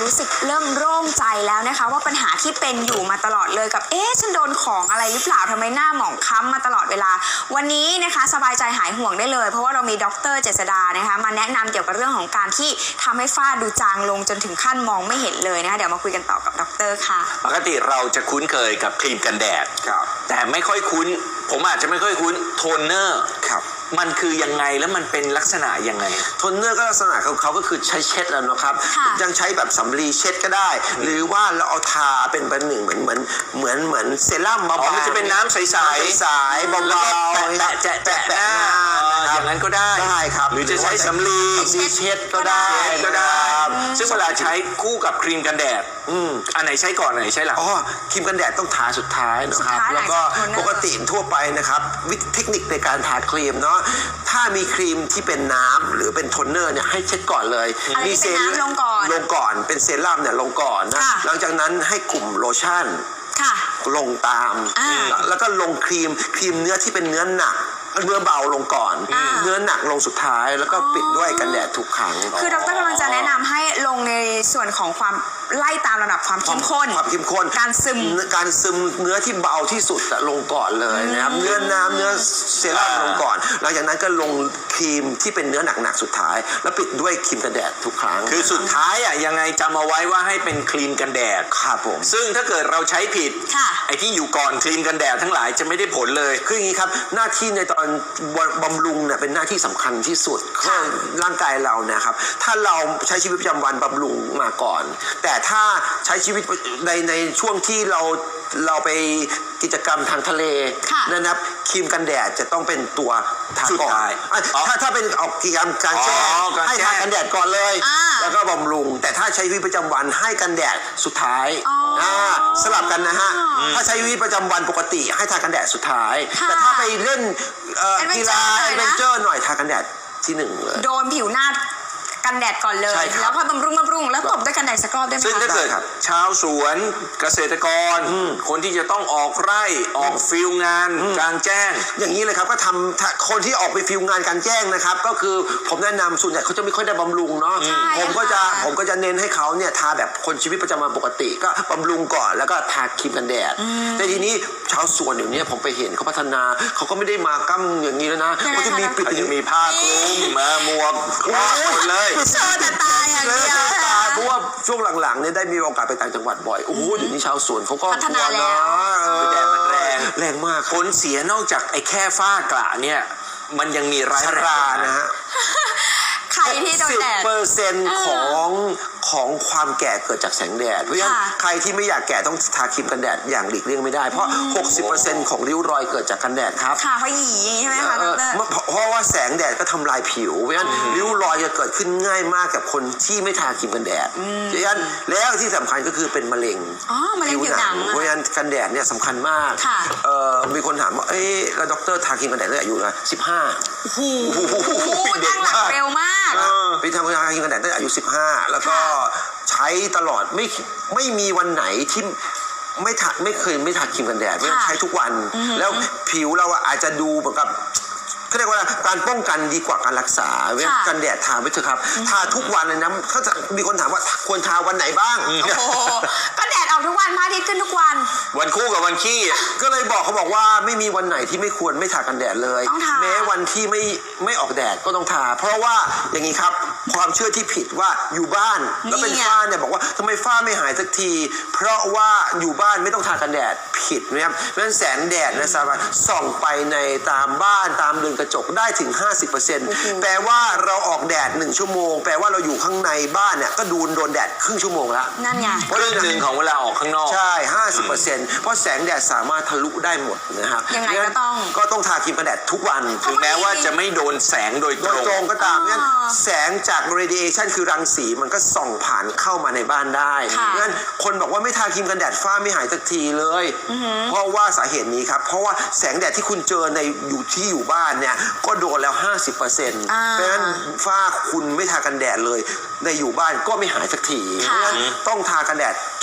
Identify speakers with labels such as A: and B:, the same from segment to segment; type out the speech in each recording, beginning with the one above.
A: รู้สึกเริ่มโล่งใจแล้วนะคะว่าปัญหาที่เป็นอยู่มาตลอดเลยกับฉันโดนของอะไรหรือเปล่าทำไมหน้าหมองคล้ำมาตลอดเวลาวันนี้นะคะสบายใจหายห่วงได้เลยเพราะว่าเรามีดร.เจษฎานะคะมาแนะนำเกี่ยวกับเรื่องของการที่ทำให้ฝ้าดูจางลงจนถึงขั้นมองไม่เห็นเลยนะคะเดี๋ยวมาคุยกันต่อกับดร.ค่ะ
B: ปกติเราจะคุ้นเคยกับครีมกันแดดแต่ไม่ค่อยคุ้นผมอาจจะไม่ค่อยคุ้นโทนเนอร์มันคือยังไงแล้วมันเป็นลักษณะยังไง
C: โทนเนอร์ก็ลักษณะของเขาก็คือใช้เช็ดแล้วนะครับยังใช้แบบสำลีเช็ดก็ได้หรือว่าเราเอาทาเป็นประหนึ่งเหมือนเซรั่มเบาๆ
B: มันจะเป็นน้ำใส
C: ๆเบาๆ
B: แตะหน้าอย่างนั้นก็ได้
C: ครับ
B: หรือจะใช้สำลี
C: เช็ดก็ได้
B: ซึ่งเวลาใช้คู่กับครีมกันแดดอันไหนใช้ก่อนอันไหนใช้หลัง
C: ครีมกันแดดต้องทาสุดท้ายนะครับแล้วก็ปกติทั่วไปนะครับเทคนิคในการทาครีมเนาะถ้ามีครีมที่เป็นน้ำหรือเป็นโทนเนอร์เนี่ยให้เช็ดก่อนเลย
A: มีเซรั่มลง
C: ก่อนเป็นเซรั่มเนี่ยลงก่อนนะหลังจากนั้นให้กลุ่มโลชั่นลงตามแล้วก็ลงครีมเนื้อที่เป็นเนื้อหนักเนื้อเบาลงก่อนเนื้อหนักลงสุดท้ายแล้วก็ปิดด้วยกันแดดทุกครั้ง
A: คือดร.กำลังจะแนะนำให้ลงในส่วนของความไล่ตามระดับความเข้มข้นการซึม
C: เนื้อที่เบาที่สุดลงก่อนเลยนะครับเนื้อน้ำเนื้อเซรั่มลงก่อนหลังจากนั้นก็ลงครีมที่เป็นเนื้อหนักสุดท้ายแล้วปิดด้วยครีมกันแดดทุกครั้ง
B: คือสุดท้ายยังไงจำเอาไว้ว่าให้เป็นครีมกันแดด
C: ครับผม
B: ซึ่งถ้าเกิดเราใช้ผิดไอ้ที่อยู่ก่อนครีมกันแดดทั้งหลายจะไม่ได้ผลเลย
C: คืออย่างนี้ครับหน้าที่ในตอนบำรุงเนี่ยเป็นหน้าที่สำคัญที่สุดของร่างกายเราเนี่ยครับถ้าเราใช้ชีวิตประจำวันบำรุงมาก่อนแต่ถ้าใช้ชีวิตในช่วงที่เราไปกิจกรรมทางทะเลนะครับครีมกันแดดจะต้องเป็นตัวทาก่อนถ้าเป็นออกกิจกรรมการแจ้งให้ทากันแดดก่อนเลยแล้วก็บำรุงแต่ถ้าใช้ชีวิตประจำวันให้กันแดดสุดท้ายสลับกันนะฮะถ้าใช้ชีวิตประจำวันปกติให้ทากันแดดสุดท้ายแต่ถ้าไปเล่นกีฬาแอดเวนเจอร์หน่อยทากันแดดที่หนึ่งเลย
A: โดนผิวหน้ากันแดดก่อนเลยแล้วพอบำรุงแล้วตบด้วยกันแดดสักรอบได้ไหม
B: ซึ่งถ้าเกิดชาวสวนเกษตรกรคนที่จะต้องออกไร่ออกฟิลงานกลางแจ้ง
C: อย่างนี้เลยครับก็ทำคนที่ออกไปฟิลงานกลางแจ้งนะครับก็คือผมแนะนำส่วนใหญ่เขาจะไม่ค่อยได้บำรุงเนาะผมก็จะเน้นให้เขาเนี่ยทาแบบคนชีวิตประจำวันปกติก็บำรุงก่อนแล้วก็ทาครีมกันแดดแต่ทีนี้ชาวสวนเดี๋ยวนี้ผมไปเห็นเขาพัฒนาเขาก็ไม่ได้มากั้มอย่างนี้แล้วนะเขาจะมีปิด
B: มีผ้าคลุมมาหมวกหมดเลย
A: โชว์ตาอย่างเดียว
C: เพราะว่าช่วงหลังๆเนี่ยได้มีโอกาสไปต่างจังหวัดบ่อยโอ้โหเดี๋ยวนี้ชาวสวนเขาก็
A: พัฒนาแล้ว
B: แดดมัน
C: แรงมาก
B: ผลเสียนอกจากไอ้แค่ฝ้ากระเนี่ยมันยังมีร้ายแรง
C: นะฮะ
A: ใครที่โดนแดด
C: 10%ของความแก่เกิดจากแสงแดดเพราะฉะนั้นใครที่ไม่อยากแก่ต้องทาครีมกันแดดอย่างหลีกเลี่ยงไม่ได้เพราะ 60% ของริ้วรอยเกิดจากกันแดดครับ
A: ค่ะเพราะหยีใช่ไหมคะ
C: เพราะว่าแสงแดดก็ทำลายผิวเพราะฉะนั้นริ้วรอยจะเกิดขึ้นง่ายมากกับคนที่ไม่ทาครีมกันแดดเพราะฉะนั้นแล้วที่สำคัญก็คือเป็นมะเร็ง
A: ผิวหนัง
C: เพราะฉะนั้นกันแดดเนี่ยสำคัญมากมีคนถามว่าแล้วด็อกเตอร์ทาครีมกันแดดตั้งแต่อายุนะ15
A: โอ้โหตั้งหลักเร็วมาก
C: ไปทำงานครีมกันแดดตั้งแต่อายุ15แล้วก็ใช้ตลอดไม่มีวันไหนที่ไม่เคยไม่ทาครีมกันแดดไม่ใช้ทุกวันแล้วผิวเราอาจจะดูเหมือนกับเขาเรียกว่าการป้องกันดีกว่าการรักษาเว้ยกันแดดทาไปเถอะครับทาทุกวันเลยนะเขาจะมีคนถามว่าควรทาวันไหนบ้าง
A: ก็แดดออกทุกวันพระอาทิตย์ขึ้นทุกวัน
B: วันคู่กับวันขี้
C: ก็เลยเขาบอกว่าไม่มีวันไหนที่ไม่ควรไม่ทากันแดดเลยแม้วันที่ไม่ออกแดดก็ต้องทาเพราะว่าอย่างนี้ครับความเชื่อที่ผิดว่าอยู่บ้านแล้วเป็นฝ้าเนี่ยบอกว่าทำไมฝ้าไม่หายสักทีเพราะว่าอยู่บ้านไม่ต้องทากันแดดผิดนะครับเพราะฉะนั้นแสงแดดนะสามารถส่องไปในตามบ้านตามเรือนกระจกได้ถึง 50% แปลว่าเราออกแดด1ชั่วโมงแปลว่าเราอยู่ข้างในบ้านเนี่ยก็โดนแดดครึ่งชั่วโมงแล้ว
A: นั่นไง
B: ครึ่งหนึ่งของเวลาออกข้างนอก
C: ใช่ 50% เพราะแสงแดดสามารถทะลุได้หมดนะครับ
A: ยังไงก็
C: ต้องทาครีมกันแดดทุกวัน
B: ถึงแม้ว่าจะไม่โดนแสงโดยตรง
C: ก็ตามงั้นแสงจาก radiation คือรังสีมันก็ส่องผ่านเข้ามาในบ้านได้งั้นคนบอกว่าไม่ทาครีมกันแดดฝ้าไม่หายสักทีเลยเพราะว่าสาเหตุนี้ครับเพราะว่าแสงแดดที่คุณเจอในอยู่บ้านเนี่ยก็โดนแล้ว 50% เพราะฉะนั้นฝ้าคุณไม่ทากันแดดเลยในอยู่บ้านก็ไม่หายสักทีเพราะฉะนั้นต้องทากันแดด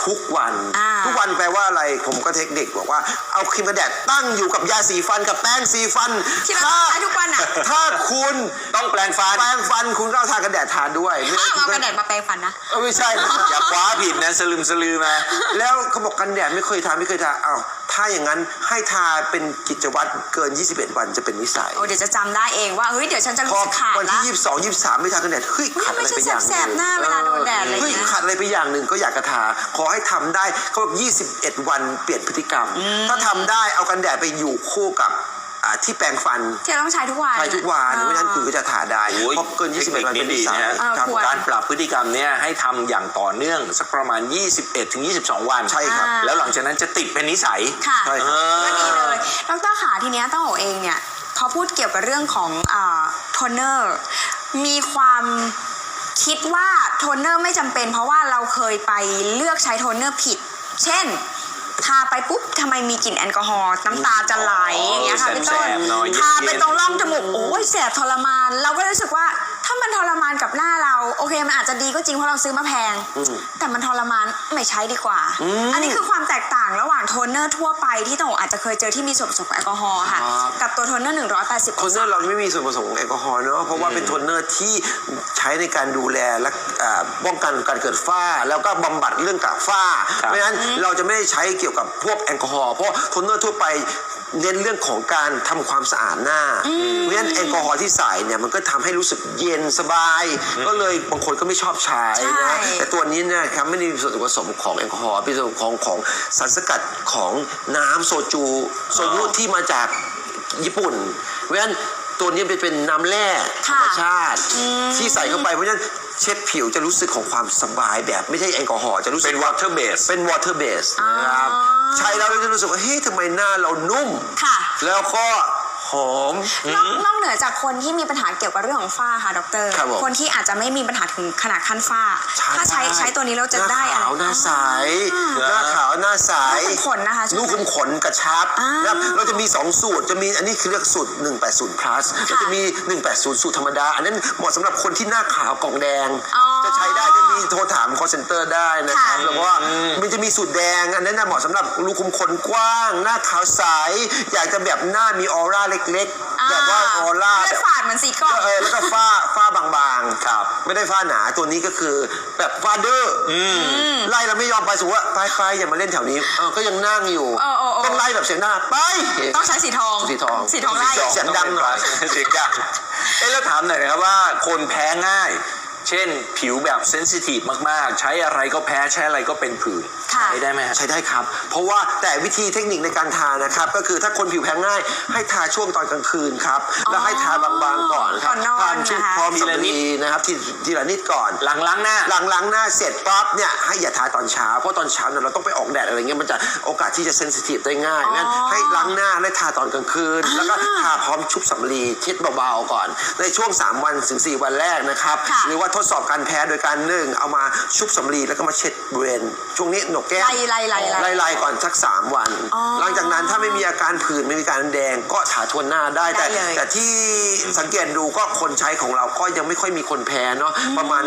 C: ทุกวัน
A: อ่า
C: ทุกวันแปลว่าอะไรผมก็เทคนิคบอกว่าเอาครีมกันแดดตั้งอยู่กับยาสีฟันกับแป้งสีฟัน
A: ที่เราใช้ทุกวันอ่ะ
C: ถ้าคุณ
B: ต้องแปลงฟัน
C: แปรงฟันคุณก็เอาทากันแดดทาด้วยไม่
A: ห้ามเอา
C: ได้
A: กระดาษมาแปรงฟันนะ
C: ไม่ใช่นะ
B: อย่าคว้าผิดนะสลืมสลือมา
C: แล้วเขาบอกกันแดดไม่เคยทาอ้าวถ้าอย่างนั้นให้ทาเป็นกิจวัตรเกิน 21 วันจะเป็นนิสัย
A: โอ้เดี๋ยวจะจำได้เองว่าเฮ้ยเดี๋ยวฉันจะ
C: พ
A: รู้
C: อ
A: สึกขาด
C: วัน
A: ละ
C: ที่ 22 23 ไม่ทากันแดดเฮ้ยขาดอะไรไปอย่างห
A: แส
C: นึ่
A: บ
C: ง
A: ๆหน้าเวลาโดนแดดอะไรอย่าง
C: เฮ้ย
A: เงี้ย
C: ขาดอะไรไปอย่างหนึ่งก็อยากกระทาขอให้ทำได้เขาบอก21 วันเปลี่ยนพฤติกรรม ถ้าทำได้เอากันแดดไปอยู่คู่กับที่แปรงฟัน
A: ที่เราต้องใช้ทุกวัน
C: ใช้ทุกวันไม่งั้นคุณก็จะทาได้
B: โอ้ย
C: เพราะเกิน 21 วันเป็นนิสัย
B: เทคนิคนี้ดีนะ
C: ครับ
A: ควร
B: การปรับพฤติกรรมเนี่ยให้ทำอย่างต่อเนื่องสักประมาณ 21 ถึง 22 วัน
C: ใช่ครับ
B: แล้วหลังจากนั้นจะติดเป็นนิสัย
A: ค่ะ
C: ใช่ครับ
A: ก็ดีเลยดรขาทีเนี้ยต้องโอเองเนี่ยพอพูดเกี่ยวกับเรื่องของโทนเนอร์มีความคิดว่าโทนเนอร์ไม่จำเป็นเพราะว่าเราเคยไปเลือกใช้โทนเนอร์ผิด เช่นทาไปปุ๊บทำไมมีกลิ่นแอลกอฮอล์น้ำตาจะไหลอย่างเงี้ยค่ะพี่ต้น
B: แสบๆหน่อย
A: ทาไป
B: เย็นๆ
A: ตรงร่องจมูกโอ้ยแสบทรมาน เราก็รู้สึกว่าถ้ามันทรมานกับหน้าเราโอเคมันอาจจะดีก็จริงเพราะเราซื้อมาแพง แต่มันทรมานไม่ใช้ดีกว่า อันนี้คือความแตกต่างระหว่างโทนเนอร์ทั่วไปที่ต้องอาจจะเคยเจอที่มีส่วนผสมของแอลกอฮอล์ค่ะ กับตัวโทนเนอร์180
C: โทนเนอร์เราไม่มีส่วนผสมของแอลกอฮอล์เนอะเพราะว่าเป็นโทนเนอร์ที่ใช้ในการดูแลและป้องกันการเกิดฝ้า แล้วก็บำบัดเรื่องกากฝ้า
B: ครับ
C: เพราะฉะนั้นเราจะไม่ได้ใช้เกี่ยวกับพวกแอลกอฮอล์เพราะโทนเนอร์ทั่วไปเน้นเรื่องของการทำความสะอาดหน้าเพราะฉะนั้นแอลกอฮอล์ที่ใส่เนี่ยมันก็ทำให้รู้สึกเย็นสบาย ก็เลยบางคนก็ไม่ชอบใช้
A: ใช่
C: นะแต่ตัวนี้เนะครับไม่ได้มีส่วนผสมของแอลกอฮอล์เป็นส่วนของสารสกัดของน้ำโซจูที่มาจากญี่ปุ่นเพราะฉะนั้นตัวนี้เป็นน้ำแร่ธรรมชาติที่ใส่เข้าไปเพราะฉะนั้นเช็ดผิวจะรู้สึกของความสบายแบบไม่ใช่แอลกอฮอล์จะรู้สึก
B: เป็น water base
C: เป็น water base นะครับใช้แล้วเราจะรู้สึกว่าเฮ้ยทำไมหน้าเรานุ่ม
A: ค่ะ
C: แล้วก็หอม
A: นอกเหนือจากคนที่มีปัญหาเกี่ยวกับเรื่องของฝ้าค่ะดร
C: ครับผม
A: คนที่อาจจะไม่มีปัญหาถึงขนาดขั้นฝ้า ถ้าใช้ตัวนี้เราจะได้
C: หน้า
A: อะไร
C: ขาวหน้าใสหน้าขาวหน้าใส
A: ลูกขุมขนนะคะใช่ไหม
C: ลูกขุมขนกระชับ
A: อ่าน
C: นะครับเราจะมี2สูตรจะมีอันนี้คือเรียกสูตร180 plus แล้วจะมี180สูตรธรรมดาอันนั้นเหมาะสำหรับคนที่หน้าขาวกล่องแดง
A: อ๋อ
C: จะใช้ได้จะมีโทรถาม call center ได้นะครับ
A: ค่ะ
C: แล้วก็มันจะมีสูตรแดงอันนั้นน่ะเหมาะสำหรับรูขุมขนกว้าง หน้าขาวใสอยากจะแบบหน้ามีออร่าเล็กๆแบบว่าออร่า
A: เลื
C: แบ
A: อบ ดฝาดเหมือนสีกรอก
C: แล้วก็ฝ้าบางๆ
B: ครับ
C: ไม่ได้ฝ้าหนาตัวนี้ก็คือแบบฝ้าดื้ออไล่เราไม่ยอมไปสมมติว่าไปอย่ามาเล่นแถวนี้ก็ยังนั่งอยู่ ต้องไล่แบบเสียงหน้าไป
A: ต้องใช้สีทอง
C: สีทอง
A: สีทองไล่
C: เสียงดังหน่อย
B: เสียงดังแล้วถามหน่อยนะครับว่าคนแพ้ง่าย เช่นผิวแบบเซนซิทีฟมากๆ ใช้อะไรก็แพ้ใช้อะไรก็เป็นผื่น
A: ค่ะ
B: ใช้ได้ไหมฮะ
C: ใช้ได้ครับ เพราะว่าแต่วิธีเทคนิคในการทานะครับ ก็คือถ้าคนผิวแพ้ง่าย ให้ทาช่วงตอนกลางคืนครับ แล้วให้ทาบางๆก่อนครับ
A: ก่อนนอน
C: ทาชุบ
A: นะคะ
C: พร้อมสำลีนะครับทีละนิดก่อน
B: หลังล้างหน้า
C: หลังล้างหน้าเสร็จปั๊บเนี่ยให้อย่าทาตอนเช้าเพราะตอนเช้าเนี่ยเราต้องไปออกแดดอะไรเงี้ยมันจะโอกาสที่จะเซนซิทีฟได้ง่ายงั้นให้ล้างหน้าและทาตอนกลางคืน แล้วก็ทาพร้อมชุบสำลีเช็ดเบาๆก่อน ในช่วง3วันถึง4วันแรกนะครับ
A: ค่ะ
C: หรือว่าทดสอบการแพ้โดยการเอามาชุบสำลีแล้วก็มาเช็ดบริเวณช่วงนี้หนกแก้ม ไล่ก่อนสัก3วัน หลังจากนั้นถ้าไม่มีอาการผื่นไม่มีการแดงก็ทาทวนหน้าได้
A: ได้เลย
C: แต่ที่สังเกตดูก็คนใช้ของเราก็ยังไม่ค่อยมีคนแพ้เนาะประมาณ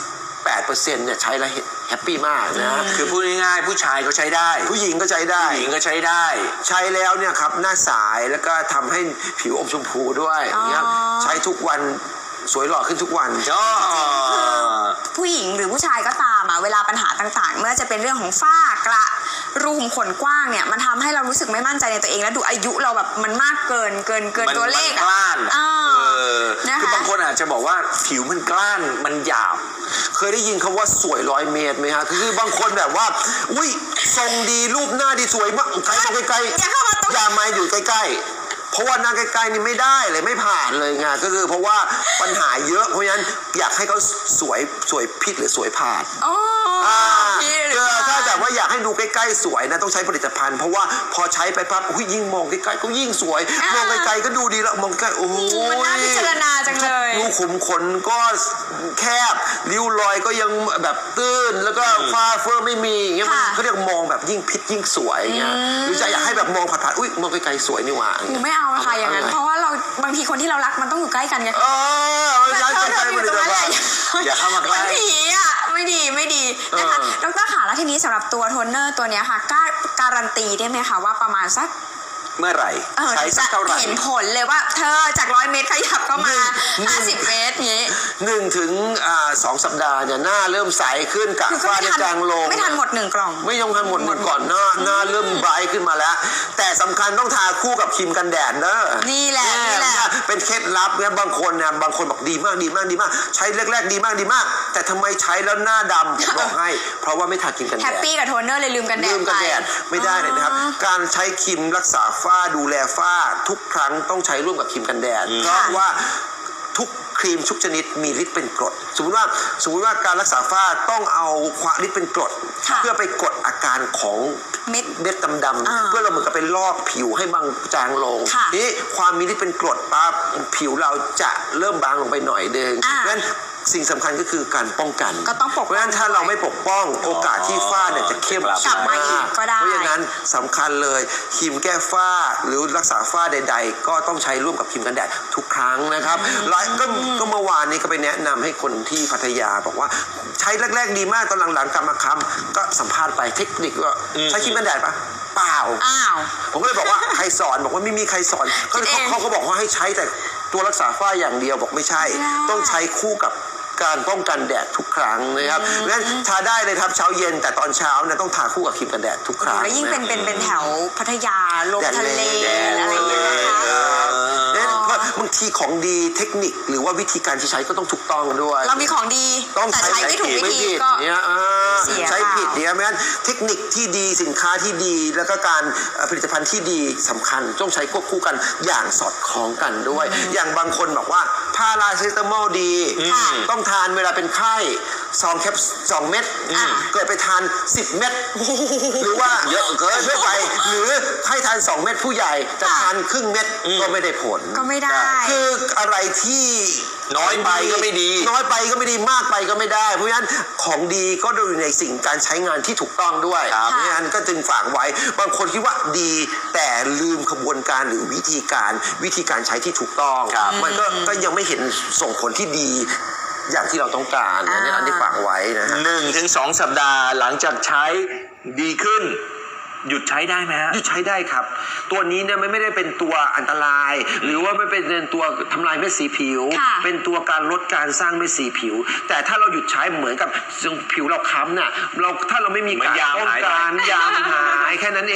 C: 98%เนี่ยใช้แล้วแฮปปี้มากนะ
B: คือพูดง่ายๆผู้ชายก็ใช้ได้
C: ผู้หญิงก็ใช้ได้
B: ผู้หญิงก็ใช้ได้
C: ใช้แล้วเนี่ยครับหน้าสายแล้วก็ทำให้ผิวอมชมพูด้วยนะครับใช้ทุกวันสวยหล่อขึ้นทุกวัน
A: ผู้หญิงหรือผู้ชายก็ตามเวลาปัญหาต่างๆ เมื่อจะเป็นเรื่องของฝ้ากระรูขุมขนกว้างเนี่ยมันทำให้เรารู้สึกไม่มั่นใจในตัวเองและดูอายุเราแบบมันมากเกินตัวเลข
B: มันกล้าน
A: นะคะ
B: คือบางคนอาจจะบอกว่าผิวมันกล้านมันหยาบ
C: เคยได้ยินคำว่าสวย100 เมตรไหมฮะคือบางคนแบบว่าอุ้ยทรงดีรูปหน้าดีสวยมากใกล้ๆ
A: อย่าเข้ามาตรง
C: อย่ามาอยู่ใกล้ๆเพราะว่าหน้าใกล้ๆนี่ไม่ได้เลยไม่ผ่านเลยไงก็คือเพราะว่าปัญหาเยอะเพราะฉะนั้นอยากให้เขาสวยผิดหรือสวยผ่าน
A: อ๋อ พี่หรือเปล่า
C: ถ้าแบบว่าอยากให้ดูใกล้ๆสวยนะต้องใช้ผลิตภัณฑ์เพราะว่าพอใช้ไปปั๊บยิ่งมองใกล้ๆก็ยิ่งสวยมองไกลๆก็ดูดีแล้วมองใกล้โอ้โห
A: มันน่าพิจารณาจังเลย
C: รูขุมขนก็แคบริ้วรอยก็ยังแบบตื้นแล้วก็ฝ้าเฟ้อไม่มีอย่างเงี้ยมันเขาเรียกมองแบบยิ่งพิษยิ่งสวยอย่างเงี้ยหรือจะอยากให้แบบมองผ่านๆอุ้ยมองไกลๆสวยนี่หว่า
A: หนูไม่เอานะคะอย่างนั้นเพราะว่าเราบางทีคนที่เรารักมันต้องอยู่ใกล้กันไง
C: ใช้
A: เธอ
C: ใช้
A: อ
C: ผ
A: ยู่
C: ลิ
A: ตรง
C: ต
A: นั้นแห
C: ภั
A: ละ
C: ณฑ์
B: อย่าเข้ามาใกล้
A: เหมือนผีอ่ะไม่ดีนะคะดรค่ะแล้วทีนี้สำหรับตัวโทนเนอร์ตัวเนี้ยค่ะการันตีได้ไหมคะว่าประมาณสัก
B: เมื่อไหร่ใช้สักเท่าไหร่
A: เห็นผลเลยว่าเธอจาก100 เมตรขยับเข้ามา50 เมตรนี้
C: 1 ถึง 2 สัปดาห์เนี่ยหน้าเริ่มใสขึ้นกะ
A: คือก็
C: ฝ้าเนี่ยจางลง
A: ไม่ทันหมด1 กล่อง
C: ไม่ยงทันหมดก่อนหน้าเริ่มไบรท์ขึ้นมาแล้ว แต่สำคัญต้องทาคู่กับครีมกันแดดเนอะ
A: นี่แหละ
C: เป็นเคล็ดลับเนี่ยบางคนบอกดีมากใช้แรกๆดีมากแต่ทำไมใช้แล้วหน้าดำผมบอกให้ เพราะว่าไม่ทาครีมกันแดด
A: แฮปปี้กับโทนเนอร์เลยลืมกันแด
C: ลื
A: ด
C: ม
A: ไป
C: กันแดดไม่ได้เลยนะครับ การใช้ครีมรักษาฝ้าดูแลฝ้าทุกครั้งต้องใช้ร่วมกับครีมกันแดดเพราะว่าทุกครีมทุกชนิดมีฤทธิ์เป็นกรดสมมติว่าการรักษาฝ้าต้องเอาความฤทธิ์เป็นกรด
A: ค่ะ
C: เพื่อไปกดอาการของ
A: เม็ด
C: เม็ดดำๆเพื่อเราเหมือนกับเป็นลอกผิวให้บางจางลง
A: ค่ะ
C: นี่ความมีฤทธิ์เป็นกรดปั๊บผิวเราจะเริ่มบางลงไปหน่อยนึง
A: อ่า
C: งั้นสิ่งสำคัญก็คือการป้องกัน
A: ก็ต้องปกป้อง
C: เพราะฉะนั้นถ้าเราไม่ปกป้องโอกาสที่ฝ้าเนี่ยจะเข้ม
A: กลับมาอีกก็ได้
C: เพราะฉะนั้นสำคัญเลยครีมแก้ฝ้าหรือรักษาฝ้าใดๆ ก็ต้องใช้ร่วมกับครีมกันแดดทุกครั้งนะครับก็เมื่อวานนี้ก็ไปแนะนำให้คนที่พัทยาบอกว่าใช้แรกๆดีมากตอนหลังๆกลับมาค้ำก็สัมภาษณ์ไปเทคนิคว่าใช้ครีมกันแดดปะเปล่า
A: อ้าว
C: ผมก็เลยบอกว่าใครสอนบอกว่าไม่มีใครสอนเขาก็บอกว่าให้ใช้แต่ตัวรักษาฝ้าอย่างเดียวบอกไม่ใช่ ต้องใช้คู่กับการป้องกันแดดทุกครั้งนะครับงั้นทาได้เลยครับเช้าเย็นแต่ตอนเช้าเนี่ยต้องทาคู่กับครีมกันแดดทุกครั้ง
A: แล้วยิ่งเป็นแถวพัทยาลงทะเล
C: แดด
A: อะไรอย่างเงี้ยนะคะ
C: เนี่ยบางทีของดีเทคนิคหรือว่าวิธีการที่ใช้ก็ต้องถูกต้องด้วย
A: เรามีของดี
C: ต้อง
A: แต่ใช้ไม่ถูกวิธีก็
C: เนี่ย
A: เสีย
C: ใช้ผิดเนี่ยไม่งั้นเทคนิคที่ดีสินค้าที่ดีแล้วก็การผลิตภัณฑ์ที่ดีสำคัญต้องใช้ควบคู่กันอย่างสอดคล้องกันด้วย อย่างบางคนบอกว่าพาราเซตามอลดี
A: ค่ะ
C: ต้องทานเวลาเป็นไข้2 เม็ดเกิดไปทาน10 เม็ดหรือว่าเยอะเกินไปหรือให้ทาน2 เม็ดผู้ใหญ่จะทานครึ่งเม็ดก็ไม่ได้ผล
A: ก็ไม่ได้
C: คืออะไรที่
B: น้อยไปก็ไม่ดี
C: น้อยไปก็ไม่ดีมากไปก็ไม่ได้ เพราะฉะนั้นของดีก็ดูในสิ่งการใช้งานที่ถูกต้องด้วย
B: ครับ
C: เพราะฉะนั้นก็จึงฝากไว้บางคนคิดว่าดีแต่ลืมขบวนการหรือวิธีการใช้ที่ถูกต้อง
B: ครับ
C: มันก็ยังไม่เห็นส่งผลที่ดีอย่างที่เราต้องการอันนี้ฝากไว้นะฮะ
B: 1 ถึง 2 สัปดาห์หลังจากใช้ดีขึ้น หยุดใช้ได้ไหมฮะ
C: หยุดใช้ได้ครับ ตัวนี้เนี่ยไม่ได้เป็นตัวอันตราย หรือว่าไม่เป็นตัวทำลายเม็ดสีผิว
A: ค่ะ
C: เป็นตัวการลดการสร้างเม็ดสีผิว แต่ถ้าเราหยุดใช้เหมือนกับผิวเราค้ำเนี่ยถ้าเราไม่มี
B: เหมือน
C: การ
B: ยาม
C: ป้อง
B: หายไป
C: กันยามหายแค่นั้นเอง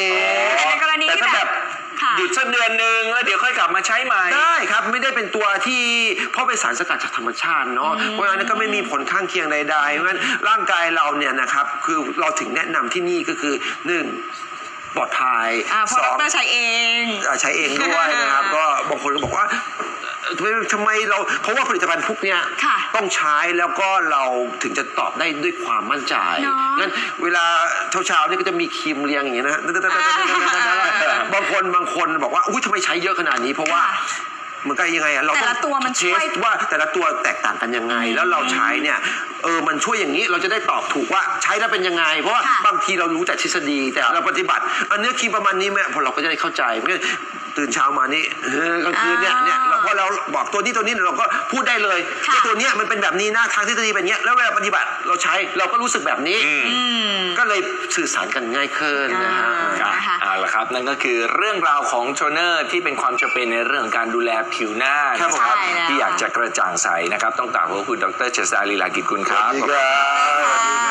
A: แต่ในกรณี
B: แต่
A: ที่
B: ถ้า
A: แบ
B: แบบ บ
A: ค่ะ
B: หยุดสักเดือนหนึ่งแล้วเดี๋ยวค่อยกลับมาใช้ใหม่
C: ได้ครับไม่ได้เป็นตัวที่เพราะเป็นสารสกัดจากธรรมชาติเนาะเพราะฉะนั้นก็ไม่มีผลข้างเคียงใดๆเพราะฉะนั้นร่างกายเราเนี่ยนะครับคือเราถึงแนะนำที่นี่ก็คือ1 ปลอดภัย
A: เพราะดรใช้เอง
C: ใช้เองด้วยนะครับ ก็บางคนก็บอกว่าทำไมเราเพราะว่าผลิตภัณฑ์พวกเนี้ย
A: ค่ะ
C: ต้องใช้แล้วก็เราถึงจะตอบได้ด้วยความมั่นใจ
A: เนอะ
C: งั้นเวลาเช้าๆนี่ก็จะมีครีมเรียงอย่างเงี้ยนะบางคนบอกว่าอุ้ยทำไมใช้เยอะขนาดนี้เพราะว่า มันก็ยังไงอะเรา
A: แต่
C: ต้อ
A: ละ
C: ง
A: ตัวมัน
C: เท
A: ช่วย
C: สว่าแต่ละตัวแตกต่างกันยังไง แล้วเราใช้เนี่ยมันช่วยอย่างนี้เราจะได้ตอบถูกว่าใช้แล้วเป็นยังไง เพราะว่า
A: ค่ะ
C: บางทีเรารู้แต่ทฤษฎีแต่เราปฏิบัติอันนี้ครีมประมาณนี้แม่พอเราก็จะได้เข้าใจเพราะงั้นตื่นเช้ามานี่กลางคืนเนี่ยเราพอเราบอกตัวนี้เราก็พูดได้เลย
A: ค่ะ
C: ว่าตัวเนี้ยมันเป็นแบบนี้นะทางทฤษฎีเป็นอย่างเงี้ยแล้วเวลาปฏิบัติเราใช้เราก็รู้สึกแบบนี้ก็เลยสื่อสารกันง่ายขึ้นนะฮะ
B: ครับ
A: นะคะ
B: เอาละครับนั่นก็คือเรื่องราวของโทนเนอร์ที่เป็นความจำเป็นในเรื่องของการดูแลผิวหน้า
C: ครับ
B: นะครับ
A: ใช่แล้ว
B: ที่อยากจะกระจ่างใสนะครับต้องกราบขอบคุณดรเจษฎาลีลากิจกุลครับ
C: สวัสดีครับ